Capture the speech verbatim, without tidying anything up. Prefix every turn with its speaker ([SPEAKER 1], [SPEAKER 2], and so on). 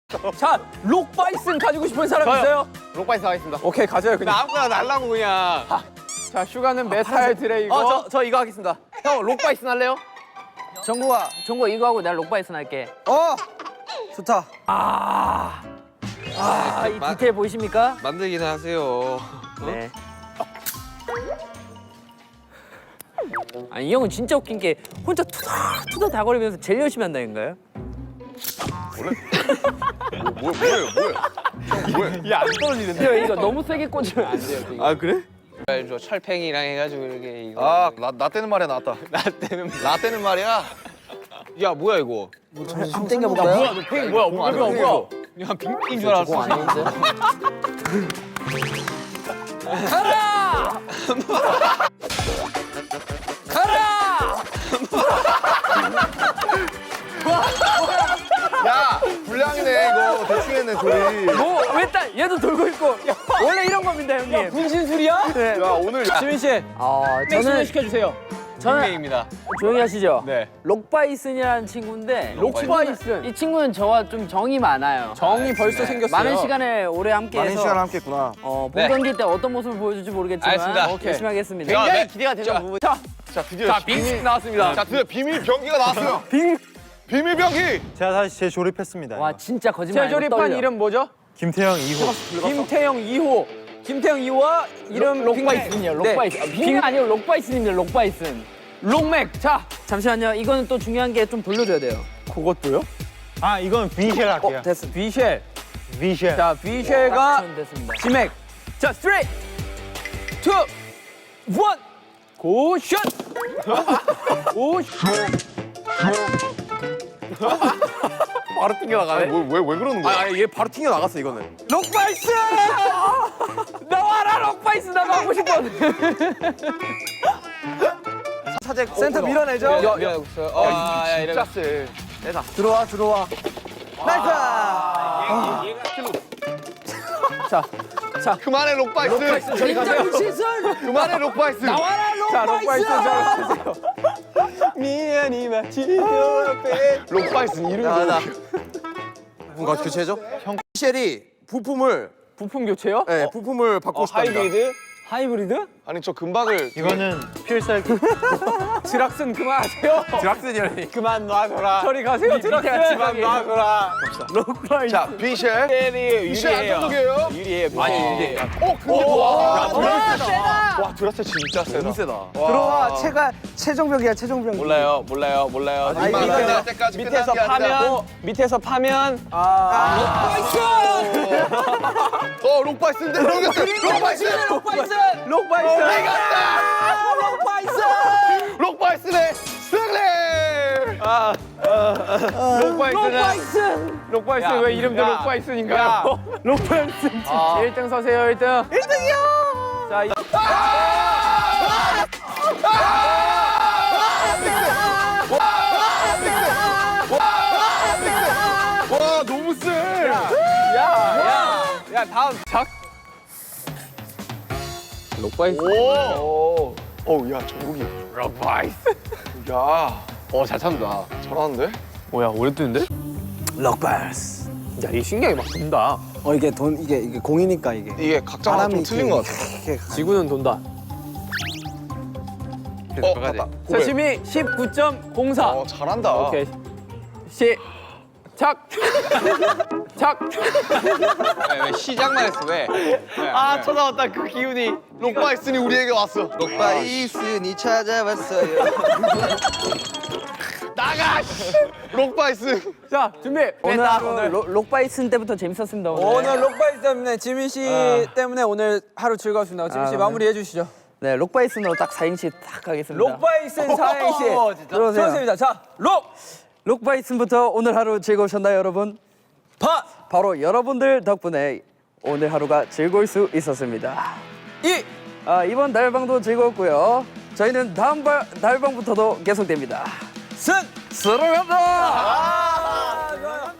[SPEAKER 1] 자, 록바이슨 가지고 싶은 사람
[SPEAKER 2] 저요.
[SPEAKER 1] 있어요?
[SPEAKER 2] 록바이스 하겠습니다.
[SPEAKER 1] 오케이, 가져요 그냥.
[SPEAKER 2] 나 아무거나 날라고 그냥.
[SPEAKER 1] 자, 슈가는 메탈 드레이고.
[SPEAKER 2] 어, 저, 저 이거 하겠습니다. 형, 록바이슨 할래요?
[SPEAKER 3] 정국아, 정국아 이거 하고 내가 록바이슨 할게.
[SPEAKER 4] 어 좋다.
[SPEAKER 3] 아, 아, 이
[SPEAKER 5] 마-
[SPEAKER 3] 디테일 보이십니까?
[SPEAKER 5] 만들긴 하세요.
[SPEAKER 3] 네. 아니 이 형은 진짜 웃긴 게 혼자 투덜투덜 다거리면서 제일 열심히 한다니까요?
[SPEAKER 5] 뭐, 뭐예요, 뭐예요? 뭐예요?
[SPEAKER 2] 야, 안 떨어지는데.
[SPEAKER 3] 형 이거 너무 세게 꽂으면 안 돼요. 이거.
[SPEAKER 5] 아, 그래?
[SPEAKER 2] 저 철팽이랑 해가지고 이렇게 이거.
[SPEAKER 5] 아, 나, 나 때는 말이야, 나왔다.
[SPEAKER 2] 나 때는.
[SPEAKER 5] 나 때는 말이야.
[SPEAKER 2] 야, 뭐야 이거?
[SPEAKER 4] 한번 땡겨볼까요?
[SPEAKER 2] 뭐야, 너 팽이 뭐야? 뭐야, 뭐야, 뭐야? 그냥 빙빙인 줄 알았어.
[SPEAKER 4] 공 아닌데?
[SPEAKER 3] 가라! 가라!
[SPEAKER 5] 야, 불량이네, 이거. 대충 했네, 소리.
[SPEAKER 3] 뭐왜 딱 얘도 돌고 있고 원래 이런 겁니다 형님.
[SPEAKER 1] 분신술이야?
[SPEAKER 3] 네.
[SPEAKER 5] 야, 오늘.
[SPEAKER 1] 지민 씨,
[SPEAKER 3] 어,
[SPEAKER 1] 저는
[SPEAKER 3] 저는
[SPEAKER 1] 시켜주세요.
[SPEAKER 3] 저는
[SPEAKER 2] 팽이입니다.
[SPEAKER 3] 조용히 하시죠.
[SPEAKER 2] 네.
[SPEAKER 3] 록바이슨이라는 친구인데
[SPEAKER 1] 록바이슨.
[SPEAKER 3] 이 친구는 저와 좀 정이 많아요.
[SPEAKER 1] 정이 벌써 생겼어요.
[SPEAKER 3] 많은 시간을 오래 함께해서
[SPEAKER 4] 많은 시간 함께했구나.
[SPEAKER 3] 어,
[SPEAKER 2] 네.
[SPEAKER 3] 본경기 때 어떤 모습을 보여줄지 모르겠지만
[SPEAKER 2] 알겠습니다.
[SPEAKER 3] 오케이. 열심히 하겠습니다.
[SPEAKER 2] 야,
[SPEAKER 1] 굉장히
[SPEAKER 2] 네.
[SPEAKER 1] 기대가 되는
[SPEAKER 2] 자,
[SPEAKER 1] 부분. 자,
[SPEAKER 5] 자, 드디어.
[SPEAKER 1] 자, 빙 나왔습니다.
[SPEAKER 5] 자, 드디어 비밀 병기가 나왔어요.
[SPEAKER 1] 빙.
[SPEAKER 5] 비밀 병기!
[SPEAKER 4] 제가 다시 재조립했습니다.
[SPEAKER 3] 와 진짜 거짓말 아니고
[SPEAKER 1] 재조립한
[SPEAKER 3] 떨려.
[SPEAKER 1] 이름 뭐죠?
[SPEAKER 4] 김태형 이 호.
[SPEAKER 1] 김태형 이 호. 김태형 이 호와 이름
[SPEAKER 3] 록바이슨이요. 록바이슨. 네. 빙이 아니고 록바이슨입니다. 록바이슨.
[SPEAKER 1] 록맥. 자,
[SPEAKER 3] 잠시만요. 이거는 또 중요한 게 좀 돌려줘야 돼요.
[SPEAKER 1] 그것도요?
[SPEAKER 4] 아 이건 비쉘 할게요.
[SPEAKER 1] 어, 됐어. 비쉘.
[SPEAKER 4] 비쉘.
[SPEAKER 1] 자, 비쉘가
[SPEAKER 3] 전 됐습니다.
[SPEAKER 1] 지맥. 자, 쓰리, 투, 원. 고슛. 고슛.
[SPEAKER 2] 바로 튕겨나가네.
[SPEAKER 5] 왜, 왜, 왜 그러는 거야?
[SPEAKER 2] 아, 얘 바로 튕겨나갔어, 이거는.
[SPEAKER 1] 록바이스! 나와라, 록바이스. 나 가고 싶어.
[SPEAKER 5] 사제
[SPEAKER 1] 센터 밀어내죠?
[SPEAKER 2] 야, 야, 야, 아, 야, 이래.
[SPEAKER 5] 진짜 세.
[SPEAKER 1] 들어와, 들어와. 나이스! 자, 자.
[SPEAKER 5] 그만해, 록바이스.
[SPEAKER 1] 저기 가세요. 시선.
[SPEAKER 5] 그만해, 록바이스.
[SPEAKER 1] 나와라, 록바이스. 자, 록바이스 잘하세요. 미안이 마치 앞에.
[SPEAKER 5] 록바이스 이름.
[SPEAKER 2] 나, 나.
[SPEAKER 5] 뭔가 교체죠? 형, 쉘이 부품을,
[SPEAKER 1] 부품 교체요?
[SPEAKER 5] 네, 부품을 바꾸고 싶답니다.
[SPEAKER 2] 하이브리드?
[SPEAKER 1] 하이브리드?
[SPEAKER 5] 아니, 저 금박을.
[SPEAKER 4] 이거는 필살기.
[SPEAKER 1] 드락슨 그만하세요.
[SPEAKER 2] 드락슨이라니. 그만 놔줘라.
[SPEAKER 1] 저리 가세요, 드락슨.
[SPEAKER 2] 그만 놔줘라.
[SPEAKER 1] 록바이스.
[SPEAKER 5] 자, 비쉘.
[SPEAKER 2] 셀이
[SPEAKER 5] 비쉘 안전적이에요.
[SPEAKER 2] 유리해요. 많이 유리해요.
[SPEAKER 5] 어, 근데 와.
[SPEAKER 1] 세다.
[SPEAKER 5] 와, 드라체 진짜 세다.
[SPEAKER 2] 너무 세다.
[SPEAKER 4] 들어와 체가 최종벽이야 최종벽.
[SPEAKER 2] 몰라요, 몰라요, 몰라요.
[SPEAKER 5] 아니,
[SPEAKER 2] 밑에-
[SPEAKER 5] 이거 내가 때까지
[SPEAKER 2] 밑에서
[SPEAKER 5] 끝난 게 아니라.
[SPEAKER 2] 파면, 밑에서 파면.
[SPEAKER 5] 어, 록바이스인데. 록바이스.
[SPEAKER 1] 록바이스. 록바이스. 록바이스.
[SPEAKER 5] 록바이스네. 승리.
[SPEAKER 1] 록바이스는 록바이스
[SPEAKER 2] 야,
[SPEAKER 1] 왜 이름도
[SPEAKER 2] 야,
[SPEAKER 1] 록바이스인가요? 록바이스
[SPEAKER 2] 아.
[SPEAKER 1] 일 등 서세요 일 등. 일 등이요. 자, 이...
[SPEAKER 5] 와, 너무 세.
[SPEAKER 1] 야, 야, 다음 작. 록바이스.
[SPEAKER 5] 오. 어우, 야, 정국이.
[SPEAKER 2] 록바이스.
[SPEAKER 5] 야,
[SPEAKER 2] 어, 잘 참다.
[SPEAKER 5] 잘하는데?
[SPEAKER 2] 뭐야, 오래 뜨는데?
[SPEAKER 4] 럭바스.
[SPEAKER 2] 야, 이 신기하게 막 돈다.
[SPEAKER 4] 어 이게 돈 이게 이게 공이니까 이게.
[SPEAKER 5] 이게 각자마다 좀 틀린 것 같아.
[SPEAKER 1] 지구는 돈다.
[SPEAKER 5] 어, 맞다.
[SPEAKER 1] 자,
[SPEAKER 5] 고백.
[SPEAKER 1] 심이 십구 점 공사.
[SPEAKER 5] 어, 잘한다.
[SPEAKER 1] 오케이. 시. 착. 착.
[SPEAKER 2] 왜, 왜 시작만 했어, 왜? 아, 쳐다봤다, 그 기운이.
[SPEAKER 5] 록바이스니 우리에게 왔어.
[SPEAKER 4] 록바이슨이 찾아왔어요.
[SPEAKER 5] 나가! 씨. 록바이스.
[SPEAKER 1] 자, 준비.
[SPEAKER 3] 오늘
[SPEAKER 1] 뺐다,
[SPEAKER 3] 하루 로- 록바이슨 때부터 재밌었습니다. 오늘.
[SPEAKER 1] 오늘 록바이스 때문에 지민 씨 때문에 오늘 하루 즐거웠습니다. 지민 씨
[SPEAKER 3] 아,
[SPEAKER 1] 마무리해 주시죠.
[SPEAKER 3] 네, 록바이슨으로 딱 사행시 딱 가겠습니다.
[SPEAKER 1] 록바이슨 사행시
[SPEAKER 3] 들어오세요.
[SPEAKER 1] 좋습니다. 자, 록.
[SPEAKER 3] 록바이슨부터 오늘 하루 즐거우셨나요, 여러분?
[SPEAKER 1] 바.
[SPEAKER 3] 바로 여러분들 덕분에 오늘 하루가 즐거울 수 있었습니다.
[SPEAKER 1] 이.
[SPEAKER 3] 아, 이번 달방도 즐거웠고요. 저희는 다음 발, 달방부터도 계속됩니다.
[SPEAKER 1] 승.
[SPEAKER 3] 사랑합니다.
[SPEAKER 1] 아, 좋아요.